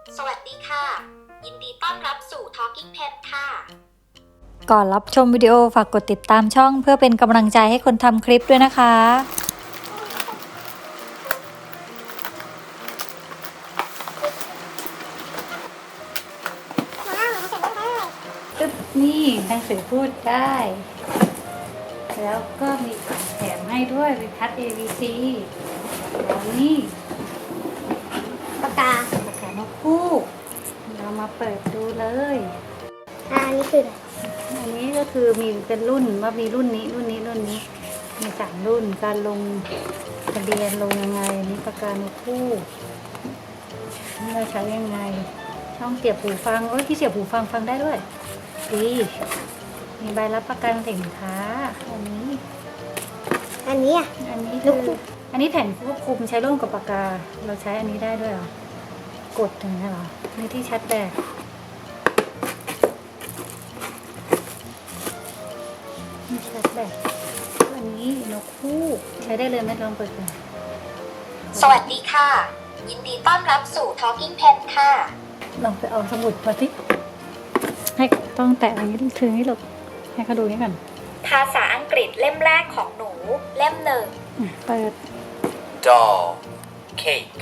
สวัสดีค่ะ ยินดีต้อนรับสู่ Talking Pet ค่ะก่อนรับชมวิดีโอฝากกดติดตามช่องเพื่อเป็นกำลังใจให้คนทำคลิปด้วยนะคะตึ๊บนี่หนังสือพูดได้ แล้วก็มีของแถมให้ด้วยเป็นคัด ABC แล้วนี่ปากกานกฮูกเรามาเปิดดูเลยอันนี้คืออะไรอันนี้ก็คือมีเป็นรุ่นว่ามีรุ่นนี้มี3 รุ่นการลงทะเบียนลงยังไงนี่ปากกานกฮูกนี่เราใช้ยังไงช่องเสียบหูฟังที่เสียบหูฟังฟังได้ด้วยดีมีใบรับประกันสินค้าอันนี้อันนี้อ่ะอันนี้คืออันนี้แผ่นควบคุมใช้ร่วมกับปากกาเราใช้อันนี้ได้ด้วยเหรอกดอย่างนี้เหรอนี่ที่ชัดแบตนี่ชัดแบตอันนี้นกฮูกใช้ได้เลยไหมลองเปิดดูสวัสดีค่ะ ยินดีต้อนรับสู่ Talking Pet ค่ะลองไปเอาสมุดมาสิให้ต้องแตะอย่างนี้ถือให้หลบให้เขาดูนี่ก่อนภาษาอังกฤษเล่มแรกของหนู เล่มหนึ่งเปิด doll, cake,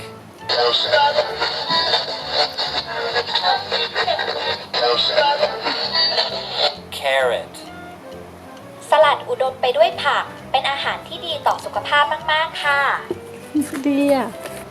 carrot, สลัดอุดมไปด้วยผัก เป็นอาหารที่ดีต่อสุขภาพมากๆค่ะดีอ่ะ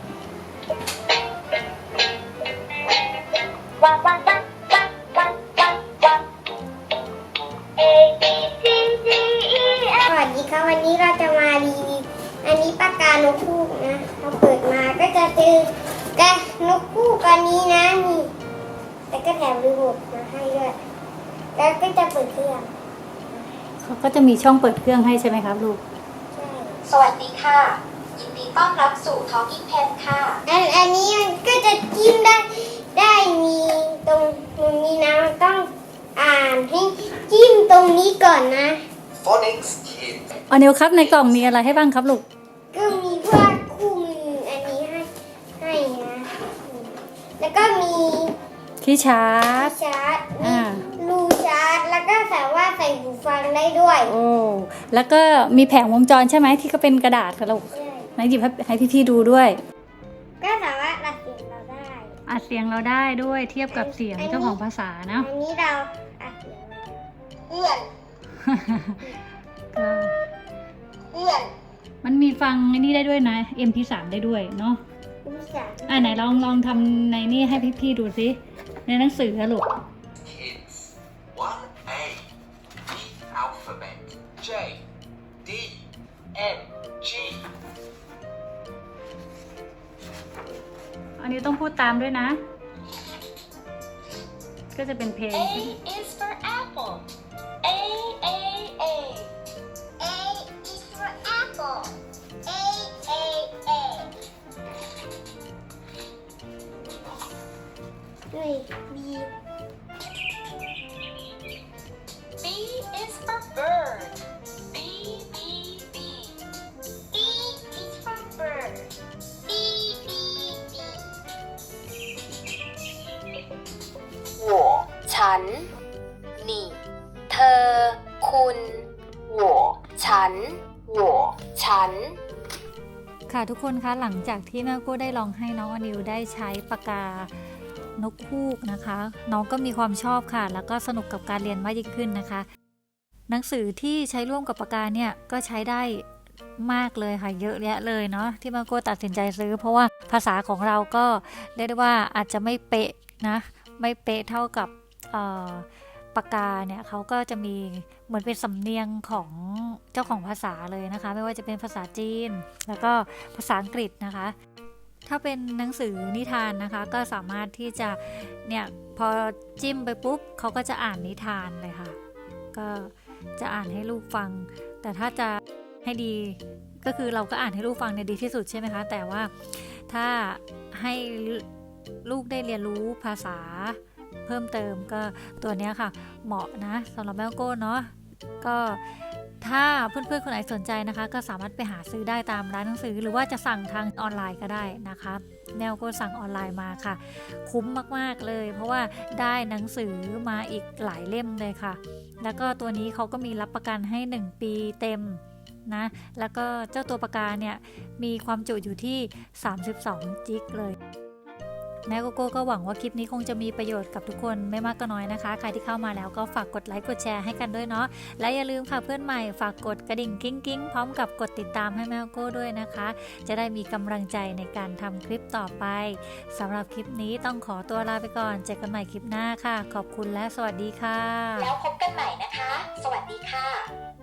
วังวังวังวังวังวังวัง A B C D E สวัสดีครับวันนี้เราจะมารีวิวอันนี้ปากกานกฮูกนะเราเปิดมาก็จะเจอกระนกฮูกอันนี้นะนี่แต่ก็แถมรีโมทมาให้ด้วยแล้วก็จะเปิดเครื่องเขาก็จะมีช่องเปิดเครื่องให้ใช่ไหมครับลูกใช่สวัสดีค่ะ ยินดีต้อนรับสู่ Talking Pet ค่ะอันนี้มันก็จะจิ้มได้มีตรงนี้นะมันต้องอ่านให้จิ้มตรงนี้ก่อนนะ phonics kids, เอานิวครับในกล่องมีอะไรให้บ้างครับลูกก็มีพวกคู่มืออันนี้ให้นะแล้วก็มีที่ชาร์จชาร์จอ่ารูชาร์จแล้วก็สามารถใส่หูฟังได้ด้วยโอ้แล้วก็มีแผงวงจรใช่ไหมที่ก็เป็นกระดาษค่ะลูกใช่ไหนหยิบให้พี่ๆดูด้วยก็สามารถอัดเสียงเราได้อัดเสียงเราได้ด้วยเทียบกับเสียงเจ้าของภาษาเนาะอันนี้เราอัดเสียงเพื่อนก็เพื่อนมันมีฟังไอ้นี่ได้ด้วยนะ MP3 ได้ด้วยเนาะผู้ชายไหนลองทำในนี่ให้พี่ๆดูสิในหนังสืออะลูก kids, 1A, the alphabet, J, D, N, G, อันนี้ต้องพูดตามด้วยนะ ก็จะเป็นเพลง A is for apple A A A A is for apple A A A ด้วย B B is for bird B B B B is for bird B B B 我ฉัน นี่ เธอ คุณ我ฉัน我ฉันค่ะทุกคนคะหลังจากที่แม่โก้ได้ลองให้น้องอนิวได้ใช้ปากกานกฮูกนะคะ น้องก็มีความชอบค่ะ แล้วก็สนุกกับการเรียนมากยิ่งขึ้นนะคะ หนังสือที่ใช้ร่วมกับปากกาเนี่ยก็ใช้ได้มากเลยค่ะเยอะแยะเลยเนาะที่แม่โก้ตัดสินใจซื้อ เพราะว่าภาษาของเราก็เรียกได้ว่าอาจจะไม่เป๊ะนะไม่เป๊ะเท่ากับปากกาเนี่ยเขาก็จะมีเหมือนเป็นสำเนียงของเจ้าของภาษาเลยนะคะ ไม่ว่าจะเป็นภาษาจีนแล้วก็ภาษาอังกฤษนะคะ ถ้าเป็นหนังสือนิทานนะคะก็สามารถที่จะเนี่ยพอจิ้มไปปุ๊บเขาก็จะอ่านนิทานเลยค่ะก็จะอ่านให้ลูกฟังแต่ถ้าจะให้ดีก็คือเราก็อ่านให้ลูกฟังเนี่ยดีที่สุดใช่ไหมคะแต่ว่าถ้าให้ลูกได้เรียนรู้ภาษาเพิ่มเติมก็ตัวเนี้ยค่ะเหมาะนะสำหรับแม่โก้เนาะก็ถ้าเพื่อนๆคนไหนสนใจนะคะ ก็สามารถไปหาซื้อได้ตามร้านหนังสือหรือว่าจะสั่งทางออนไลน์ก็ได้นะคะแนวก็สั่งออนไลน์มาค่ะคุ้มมากๆเลยเพราะว่าได้หนังสือมาอีกหลายเล่มเลยค่ะแล้วก็ตัวนี้เขาก็มีรับประกันให้1 ปีเต็มนะแล้วก็เจ้าตัวปากกาเนี่ยมีความจุอยู่ที่32 จิกเลยแม่โกโก้ก็หวังว่าคลิปนี้คงจะมีประโยชน์กับทุกคนไม่มากก็น้อยนะคะใครที่เข้ามาแล้วก็ฝากกดไลค์กดแชร์ให้กันด้วยเนาะและอย่าลืมค่ะเพื่อนใหม่ฝากกดกระดิ่งกิ้งพร้อมกับกดติดตามให้แม่โกโก้ด้วยนะคะจะได้มีกำลังใจในการทำคลิปต่อไปสำหรับคลิปนี้ต้องขอตัวลาไปก่อนเจอกันใหม่คลิปหน้าค่ะขอบคุณและสวัสดีค่ะแล้วพบกันใหม่นะคะ สวัสดีค่ะ